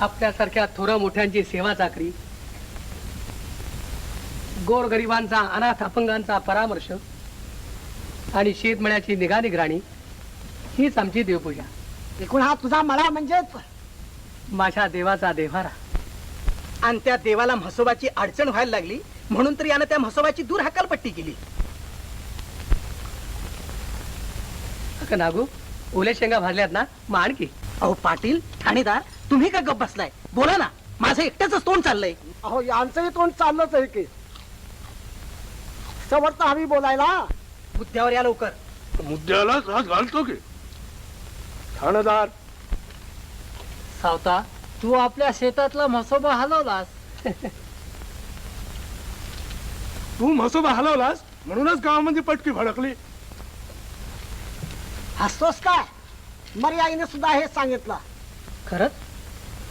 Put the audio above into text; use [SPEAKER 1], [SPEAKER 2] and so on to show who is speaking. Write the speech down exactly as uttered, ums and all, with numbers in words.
[SPEAKER 1] आपल्यासारख्या थोरा मोठ्यांची सेवा चाकरी, गोरगरिबांचा अनाथ अपंगांचा परामर्श आणि शेतमळ्याची निगा निगराणी हीच आमची देवपूजा.
[SPEAKER 2] एकूण हा तुझा मळा म्हणजेच
[SPEAKER 1] माझ्या देवाचा देव्हारा.
[SPEAKER 3] आणि त्या देवाला म्हसोबाची अडचण व्हायला लागली म्हणून तर यानं त्या म्हसोबाची दूर हकालपट्टी केली.
[SPEAKER 1] अगं नागू, ओल्या शेंगा भाजल्यात ना, मग आणखी.
[SPEAKER 3] अहो पाटील, ठाणेदार, तुम्ही का गप्प बसलाय? बोला ना, माझं एकट्याच तोंड चाललंय.
[SPEAKER 2] अहो यांचंही तोंड चाललंच आहे की. समर्थ हवी बोलायला.
[SPEAKER 3] मुद्द्यावर या लवकर.
[SPEAKER 4] मुद्द्याला हात घालतो की ठाणेदार.
[SPEAKER 5] सावता, तू आपल्या शेतातला म्हसोबा हलवलास.
[SPEAKER 4] तू म्हसोबा हलवलास म्हणूनच गावामध्ये पटकी भडकली.
[SPEAKER 2] हसतोस काय? मर्याईने सुद्धा हे सांगितलं.
[SPEAKER 1] खरंच